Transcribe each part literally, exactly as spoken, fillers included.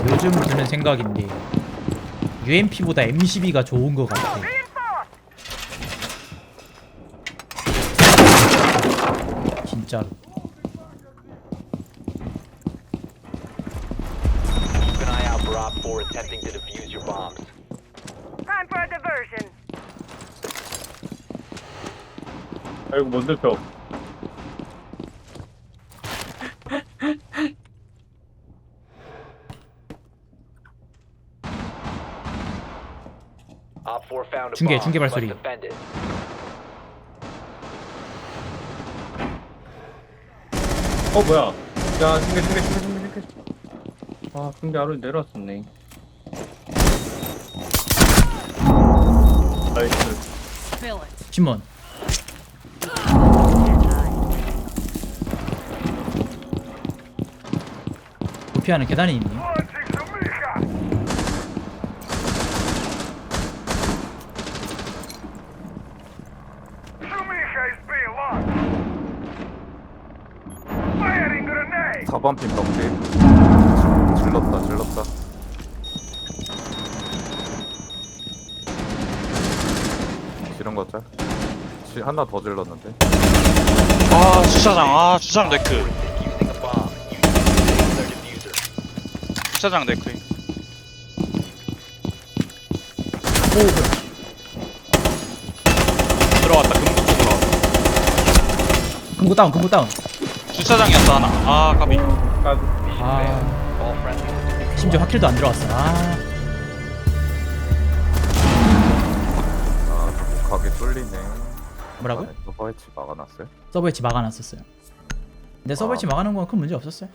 요즘 드는 생각인데 유엠피보다 엠십이가 좋은 것 같아. 진짜로. Keep an eye out for Op four attempting to defuse your bombs. Time for a diversion. 아이고 못 늙혀. Op four found a 중계, bomb. 중계 Must 발소리. defend it. 어 뭐야? 야 중계 중계 중계 중계 중계. 아 중계 아래 내려왔었네. 나이스. Fill it. 신문. 도피하는 계단이 있네. 사 번 핀 덕지 질렀다 질렀다. 지른 거짤 하나 더 질렀는데. 아 주차장 아 주차장 네크 Defusing a bomb. You need to disable their diffuser. 주차장 네크 들어왔다 금고 쪽으로 왔다. 금고 다운, 금고 다운. 주차장이었어 하나 아 까비 까비. 아, All friendly. 심지어 확킬도 안 들어왔어. 아, 아 가게 뚫리네. 뭐라고요? 서버 해치 막아놨어요? 서버 웨치 막아놨었어요. 근데 서버 웨치 막아놓은 건 큰 문제 없었어요.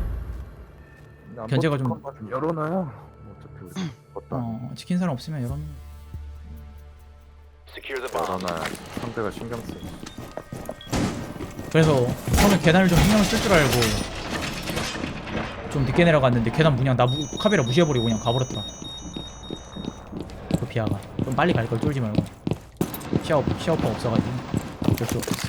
견제가 좀- 좀 열어놔요. 어차피 우리 걷다 어, 지킨 사람 없으면 여러분. Secure the bomb. 열어놔야 상대가 신경 쓰. 그래서 처음에 계단을 좀 신경 쓸 줄 알고 좀 늦게 내려갔는데 계단 그냥 나 무, 카메라 무시해버리고 그냥 가버렸더라. 그 비아가 좀 빨리 갈 걸 쫄지 말고. 시야업 시야오퍼 없어가지고 어쩔 수 없었어.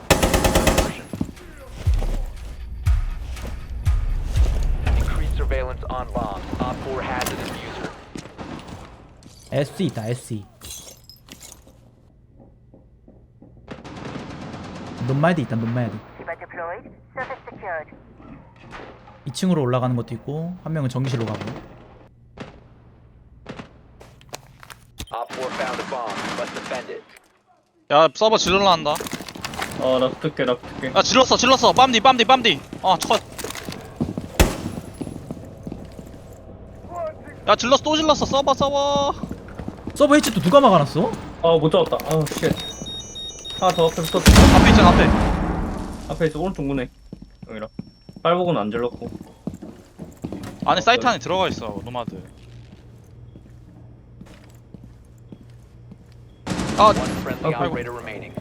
Increased surveillance on bombs. Op four has a diffuser. 에스이 있다 에스이. 논마에도 있다 논마에도. Shiba deployed. Surface secured. 이 층으로 올라가는 것도 있고 한 명은 정기실로 가고. Op four found a bomb. Must defend it. 야 서버 질러라 한다 어나 붙을게 나 붙을게. 야 질렀어 질렀어 빰디 빰디 빰디 어컷야 질렀어 또 질렀어 서버 서버 서버 해치 또 누가 막아놨어? 아못 잡았다. 아우 쉣. 하나 더 앞에 붙었어. 앞에 있잖아 앞에 앞에 있어 오른쪽 문에. 여기라. 빨복은 안 질렀고. 안에 사이트 안에 들어가 있어 노마드 아 One friendly Okay. operator remaining.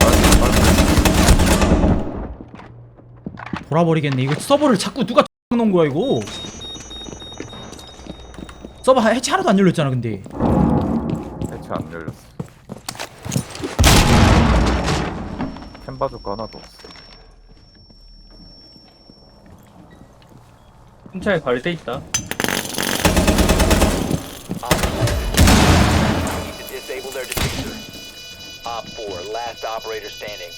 돌아버리겠네. 이거 서버를 자꾸 누가 놓은 거야 이거. 서버 해치 하나도 안 열렸잖아 근데. 해치 안 열렸어. 캠 바주카 하나도 없어. 흰차에 발대 있다. Need to disable their diffuser. Op four, last operator standing.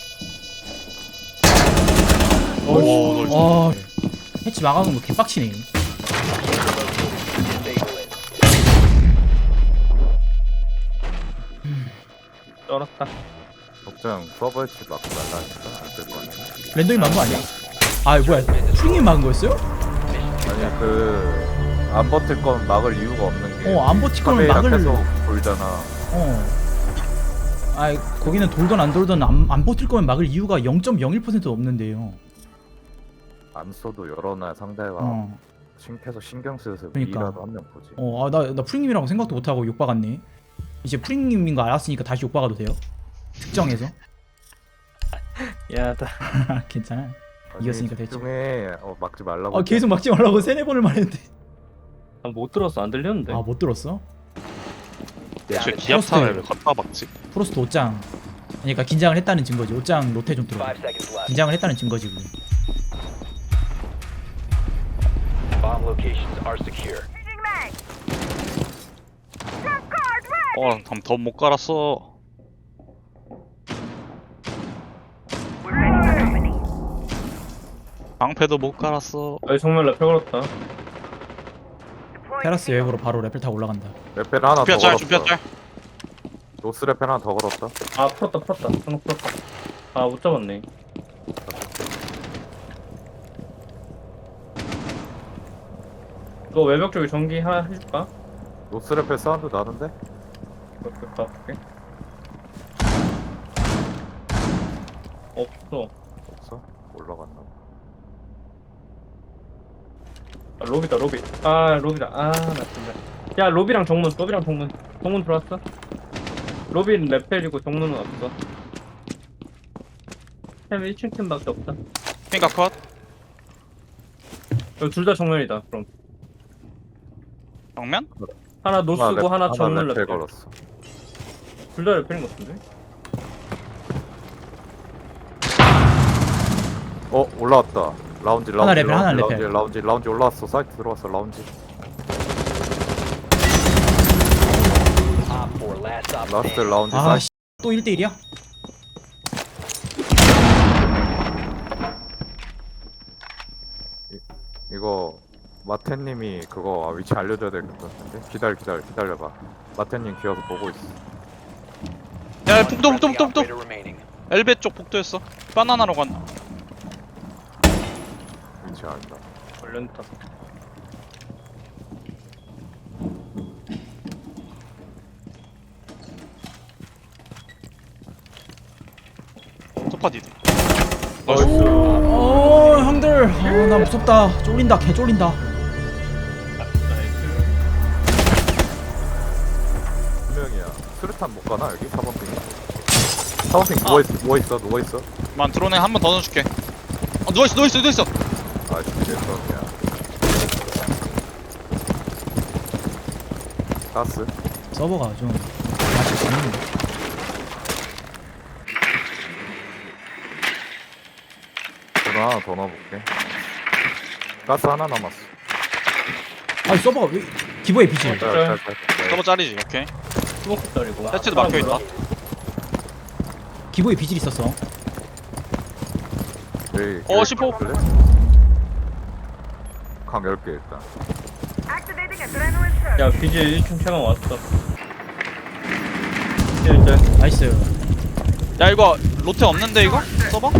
오, 널 아, 해치 막아놓은 거 개빡치네. Disable it. 쩔었다. 걱정 서버 해치 막고 날라니까 안될 거 아니야. 랜덤이 막은 거 아니야? 아 뭐야 프링이 막은 거였어요? 아니 그 안 버틸 건 막을 이유가 없는 게. 어 안 버틸 거면 카메라 막을. 계속 돌잖아. 어. 아 거기는 돌던 안 돌던 안, 안 버틸 거면 막을 이유가 영 점 영일 퍼센트도 없는데요. 안 써도 열어놔야 상대가 어. 신 계속 신경 쓰여서 그러니까. 미라도 한 명 보지. 어, 아, 나, 나 프링님이라고 생각도 못하고 욕박았네. 이제 프링님인 거 알았으니까 다시 욕박아도 돼요? 특정해서? 야다. 괜찮아. 아니, 이겼으니까 됐죠. 집중해. 어, 막지 말라고. 아, 계속 막지 말라고 세네 번을 말했는데. 못 들었어 안 들렸는데. 아, 못 들었어? 쟤 기압타를 왜 갖다 박지? 프로스트 옷장. 그러니까 긴장을 했다는 증거지. 옷장 로테 좀 들어. Five seconds left. 긴장을 했다는 증거지, 그게. Bomb locations are secure. Changing mag. Trap card ready. 어, 그럼 더 못 깔았어. We're ready for company. 방패도 못 깔았어. 아 정말 나 펴걸었다. Deploying 테라스 외벽으로 바로 레펠 타고 올라간다. 레펠 하나 더 준비한 짤, 걸었어. 준비한 짤. 노스 레펠 하나 더 걸었다. 아 풀었다 풀었다. 한번 풀었다. 아 못 잡았네. 너 외벽 쪽에 전기 하나 해줄까? 노스 레펠 사운드 나는데? 이렇게 가볼게. 없어. 없어? 올라갔나 봐. 아, 로비다 로비. 아 로비다. 아나 진짜. 야 로비랑 정문. 로비랑 정문. 정문 들어왔어? 로비는 레펠이고 정문은 없어. 햄 일 층 틈밖에 없다. 핑가 컷. 둘 다 정면이다. 그럼 정면? 하나 노스고 레- 하나 정문 레펠 레펠. 걸었어. 둘 다 레펠인 것 같은데? 어 올라왔다. 라운지 라운지 하나 레펠, 하나 라운지, 레펠. 라운지 라운지 올라왔어. 사이트 들어왔어. 라운지. Op four, last op 라스트 standing. 라운지 아, 사이트. 씨, 또 일 대 일이야? 이거 마태님이 그거 위치 알려줘야 될 것 같은데. 기다려 기다려 기다려봐. 마태님 기어서 보고 있어. 야, One 북도, 북도, friendly 북도, 북도. operator remaining. 엘베 쪽 북도였어. 바나나로 갔나? 위치 알다. 걸렸다. 소파 디드. 어, 형들. 아, 나 무섭다. 쫄린다. 개 쫄린다. 두 명이야. 수류탄 못 가나 여기? 사 번 핑. 사 번 핑 누워있어 누워있어 누워있어. 만 드론에 한 번 더 넣어줄게. 어, 누워있어, 누워있어, 누워있어. 아 진짜 썸이야. 가스. 서버가 좀 맛이 재밌는데. 드론 하나 더 넣어볼게. 가스 하나 남았어. 아니 서버가 왜 기보에 비지? 짤, 짤, 짤, 짤. 서버 짤이지, 오케이. 스모크짜리고. 세트도 막혀있다. 기보에 비질 있었어. 여기, 어, 여기 십오. 볼래? 강 열 개 일단. Activating adrenaline surge. 야 비지 일 층 체감 왔어. 이제 이제 나이스. 야, 이거 로테 없는데, 이거? 서버?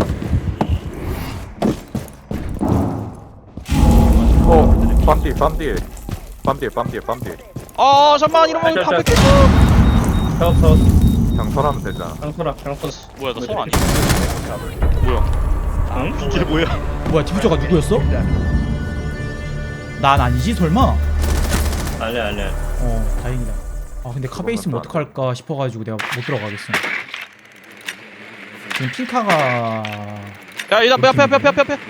어, 빰뒤, 빰뒤. 빰뒤, 빰뒤, 빰뒤. 아, 잠깐만, 이러면 짤, 다 짤. 뺏겼어. 작업 작업. 경선하면 되잖아. 장소라 장소. 뭐야, 너 손 아니야? 뭐야? 응? 이게 뭐야? 뭐야 디퓨저가 누구였어? 난 아니지 설마? 아니야 아니야. 어 다행이다. 아 근데 카베 있으면 어떡할까 싶어가지고 내가 못 들어가겠어. 지금 핑카가 야, 이다, 앞에, 앞에, 앞에, 앞에, 앞에.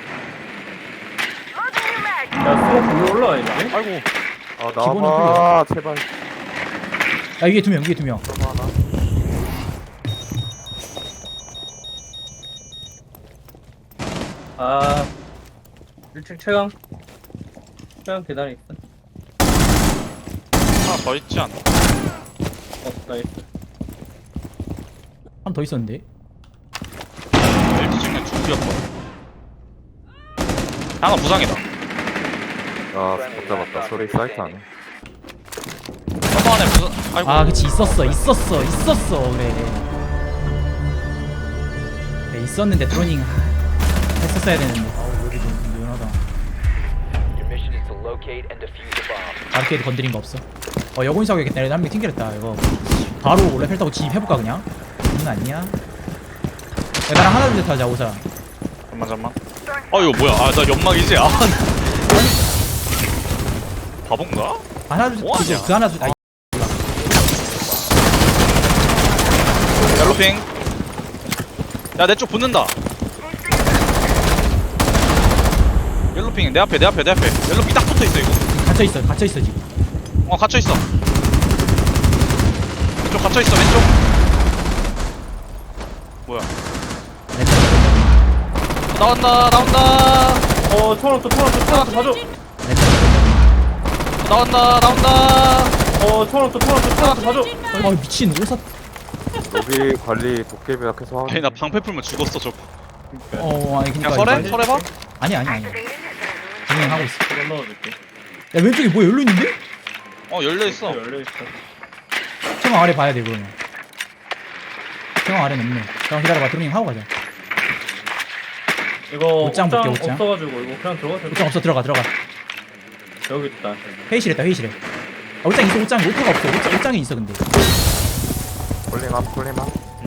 Loading new mag. 야 스모크 위로 올라와 있네. 아이고. 아, 기본은 나와봐. 제발. 야 위에 두 명 위에 두 명. 아 일 층 체감. 체감 계단에 있어. 하나 더 있지 않나? 어 나이스. 한 더 있었는데. 엘티 찍는 준비였고. 하나 부상이다. 아, 못 잡았다. 소리 사이트 안에. 서버 안에 부상. 아이고. 아 그치 있었어 있었어 있었어 그래. 그래 있었는데 드로닝 하, 했었어야 되는데. 아우 여기 좀 유연하다. Your mission is to locate and defuse the bomb. 아르케이드 건드린 거 없어. 어 여고인 사고겠다. 한명 튕겨냈다 이거. 바로 레펠 타고 진입해볼까 그냥? 장난 아니야? 야, 나랑 하나 둘 셋 하자 오사. 잠만, 잠만. 어, 이거 뭐야? 아, 나 연막이지? 아. 바본가? 하나 둘 뭐 하냐? 셋. 그 하나 둘. 아, 옐로핑. 야, 내 쪽 붙는다. 옐로핑, 내 앞에, 내 앞에, 내 앞에. 옐로핑 딱 붙어 있어, 이거. 갇혀 있어 갇혀 있어 지금. 어, 갇혀 있어. 왼쪽 갇혀 있어, 왼쪽. 뭐야? 나온다, 나온다. 어 토마토 토마토 토마토 봐줘. 나온다 나온다. 어 총알 없어 총알 없어 총알 없어 봐줘. 아 미친 오사. 로비 관리 도깨비가 계속 하고. 아니 나 방패 풀면 죽었어 저거. 어 아니 그냥 그니까. 설해? 이거- 설해봐? 아니 아니 아니. Activating adrenaline. 진행하고 있어. 그거 넣어줄게. 야 왼쪽에 뭐 열려 있는데? 어 열려있어. 열려있어. 청아 아래 봐야 돼 그러면. 청아 아래는 없네. 잠깐 기다려봐. 드로닝 하고 가자. 이거 옷장 볼게, 옷장. 없어가지고 이거 그냥 들어가자. 옷장 없어 들어가 들어가. 여기 있다. 회의실에 있다 회의실에. 아, 옷장 있어 옷장 오토가 없어. 옷장, 옷장에 있어 근데. 폴링함 폴링함.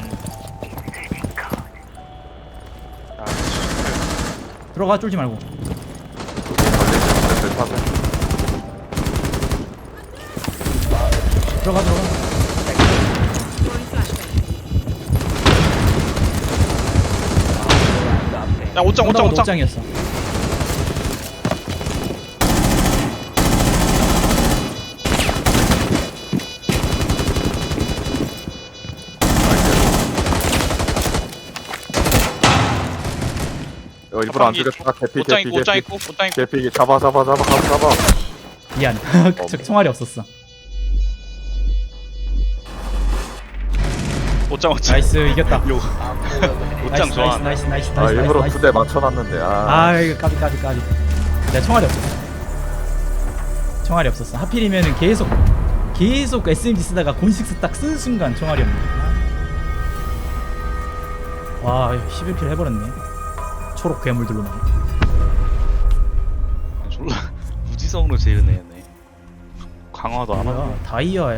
아, 들어가 쫄지 말고. 로비 관리 들 타고. 들어가 들어가. 야 옷장 옷장 옷장. 옷장이었어. 어, 일부러 안 자판기 죽였다. 개피 옷장 개피 있고 옷장 개피. 있고 옷장 있고. 개피 잡아 잡아 잡아 잡아 잡아. 미안. 저 총알이 없었어. 옷장 옷장. 나이스 이겼다. 요 옷장 나이스, 좋아. 나이스 나이스 나이스 아 나이스. 일부러 나이스. 두 대 맞춰놨는데 아. 아 이거 까비 까비 까비. 내가 총알이 없었어. 총알이 없었어. 하필이면은 계속 계속 에스엠지 쓰다가 곤식스 딱 쓰는 순간 총알이 없네. 와 십일 킬 해버렸네. 초록 괴물들로만. 졸라 무지성으로 지르네 얘네. 강화도 안 하고. 뭐야 다이아야.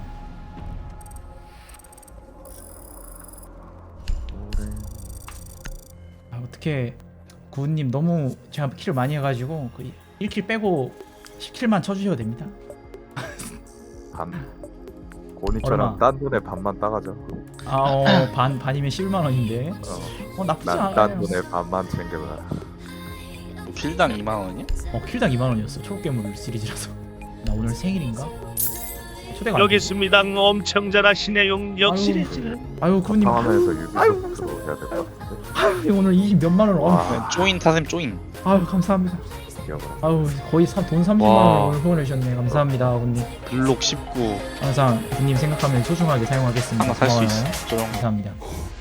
아, 어떻게 구은님 너무 제가 킬을 많이 해가지고 그 일 킬 빼고 십 킬만 쳐주셔도 됩니다. 반. 고니처럼 얼마? 딴 돈에 반만 따가죠. 아반 반이면 십일만 원인데. 어. 어 나쁘지 난 않아요. 딴 돈에 반만 챙겨가. 필당 이만 원이야? 어 킬당 이만 원이었어. 초록괴물 시리즈라서. 나 오늘 생일인가? 초대가 안 여기 돼. 있습니다. 엄청 잘하시네요. 역시리즈. 아유 구은님. 상황에서 유비소프트로 해야 될 것 같은데. 아유 오늘 이십 몇만 원. 어. 와. 쪼인 타셈 쪼인. 아유 감사합니다. 이겨버려. 아유 거의 사, 돈 삼십만 와. 원을 후원해 주셨네. 감사합니다 구은님. 블록 십구. 항상 구님 생각하면 소중하게 사용하겠습니다. 하나 살 수 고마워요. 있어. 조용. 감사합니다.